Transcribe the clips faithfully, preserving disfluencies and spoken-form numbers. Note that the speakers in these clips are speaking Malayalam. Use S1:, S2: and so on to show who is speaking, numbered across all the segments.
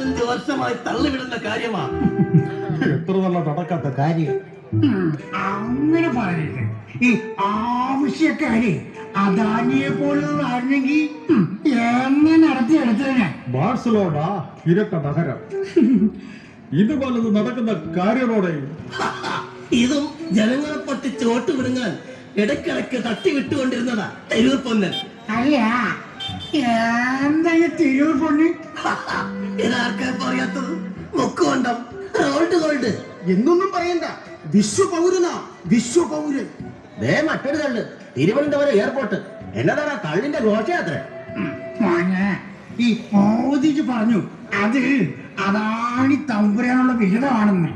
S1: നാലഞ്ച് വർഷമായി തള്ളിവിടുന്ന കാര്യമാ.
S2: എത്ര നല്ല നടക്കാത്ത കാര്യം.
S3: അങ്ങനെ പറയരുത്. ഈ ആവശ്യക്കാര് അദാനിയെ പോലുള്ളതായിരുന്നെങ്കിൽ എന്നെ നടത്തിയെടുത്തതിനെ.
S2: ബാഴ്സലോണ ഇരട്ട നഗരം. ഇതുപോലത് നടക്കുന്ന കാര്യങ്ങളോടെ
S1: ഇതും ജനങ്ങളെ പൊട്ടിച്ച് വോട്ട് വിടുങ്ങാൻ ഇടയ്ക്കിടയ്ക്ക് തട്ടി വിട്ടുകൊണ്ടിരുന്നതാ തെരുവ് പൊന്നൻ.
S3: അല്ല, എന്താ തിരൂർ പൊണ്ണി?
S1: ഇതാർക്കാ പറയാത്തത്? മുക്കുകൊണ്ടം ഗോൾഡ് ഗോൾഡ്
S4: എന്നൊന്നും പറയണ്ട. വിശ്വപൗരനാ, വിശ്വപൗരൻ.
S1: ദേ മറ്റൊരു തള്ളു, തിരുവനന്തപുരം എയർപോർട്ട്. എന്നതാണ് തള്ളിന്റെ ഘോഷയാത്ര?
S3: മോനെ, ഈ മോദിജി പറഞ്ഞു അത് അദാനി തമ്പുരാനുള്ള വിഹിതമാണെന്ന്.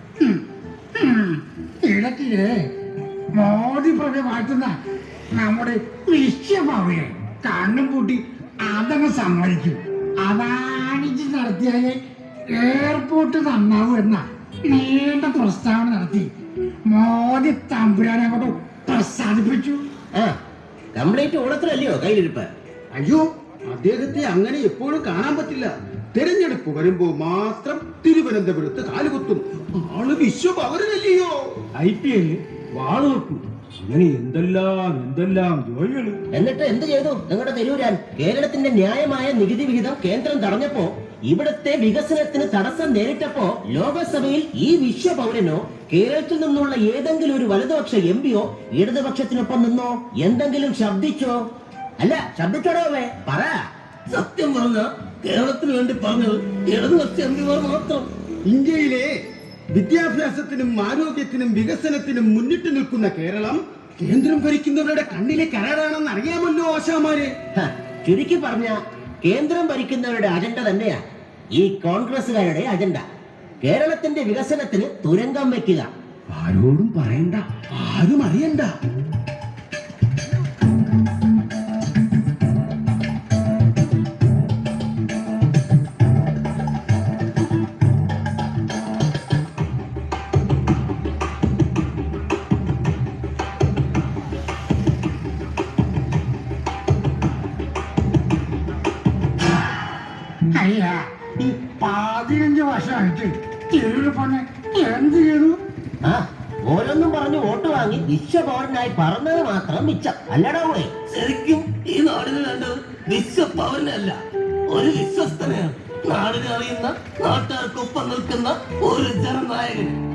S3: ഇടയ്ക്കില്ലേ മോദി പ്രഭ മാറ്റുന്ന നമ്മുടെ വിശ്വപൗരൻ കണ്ണും പൂട്ടി അതങ്ങ് സമ്മതിക്കും. അദാനിജി നടത്തിയാല് എയർപോർട്ട് നന്നാവും എന്ന നീണ്ട പ്രസ്താവന നടത്തി മോദി തമ്പുരാനെ കൊണ്ട് പ്രസാദിപ്പിച്ചു.
S1: കംപ്ലീറ്റ് ഓണത്തിലല്ലയോ കയ്യിലിരിപ്പ്?
S4: അയ്യോ, അദ്ദേഹത്തെ അങ്ങനെ എപ്പോഴും കാണാൻ പറ്റില്ല. തെരഞ്ഞെടുപ്പ് വരുമ്പോ മാത്രം തിരുവനന്തപുരത്ത് കാലുകുത്തും. ആള് വിശ്വപൗരനല്ലയോ?
S2: ഐ പി എല്ലിൽ വാള് വെക്കും. അങ്ങനെ എന്തെല്ലാം എന്തെല്ലാം ജോലികള്.
S1: എന്നിട്ട് എന്ത് ചെയ്തു നിങ്ങളുടെ തെരൂരാൻ? കേരളത്തിന്റെ ന്യായമായ നികുതി വിഹിതം കേന്ദ്രം തടഞ്ഞപ്പോ, ഇവിടുത്തെ വികസനത്തിന് തടസ്സം നേരിട്ടപ്പോ ലോകസഭയിൽ ഈ വിശ്വപൗരനോ കേരളത്തിൽ നിന്നുള്ള ഏതെങ്കിലും ഒരു വലതുപക്ഷ എം പിയോ ഇടതുപക്ഷത്തിനൊപ്പം നിന്നോ എന്തെങ്കിലും ശബ്ദിച്ചോ? അല്ല, ശബ്ദിച്ചോടോവേ പറ. സത്യം പറഞ്ഞ കേരളത്തിന് വേണ്ടി പറഞ്ഞത് ഇടതുപക്ഷ എം പിമാർ മാത്രം.
S4: ഇന്ത്യയിലെ വിദ്യാഭ്യാസത്തിനും ആരോഗ്യത്തിനും വികസനത്തിനും മുന്നിട്ട് നിൽക്കുന്ന കേരളം കേന്ദ്രം ഭരിക്കുന്നവരുടെ കണ്ണിലെ കരടാണെന്ന് അറിയാമല്ലോ ആശാമാരെ.
S1: ചുരുക്കി പറഞ്ഞ കേന്ദ്രം ഭരിക്കുന്നവരുടെ അജണ്ട തന്നെയാ ഈ കോൺഗ്രസുകാരുടെ അജണ്ട. കേരളത്തിന്റെ വികസനത്തിന് തുരങ്കം വെക്കുക.
S4: ആരോടും പറയണ്ട, ആരും അറിയണ്ട.
S3: അല്ല, ഈ പതിനഞ്ച് വർഷമായിട്ട് തിരൂർ പൊണ്ണെ എന്ത് ചെയ്തു?
S1: ആ ഓരോന്നും പറഞ്ഞു വോട്ട് വാങ്ങി വിശ്വപൗരനായി പറഞ്ഞത് മാത്രം മിച്ചം. അല്ലടാ പോയി. ശരിക്കും ഈ നാടിന് വേണ്ടത് വിശ്വപൗരനല്ല, ഒരു വിശ്വസ്തനെയാണ്. നാടിനെ അറിയുന്ന, നാട്ടുകാർക്കൊപ്പം നിൽക്കുന്ന ഒരു ജനനായകൻ.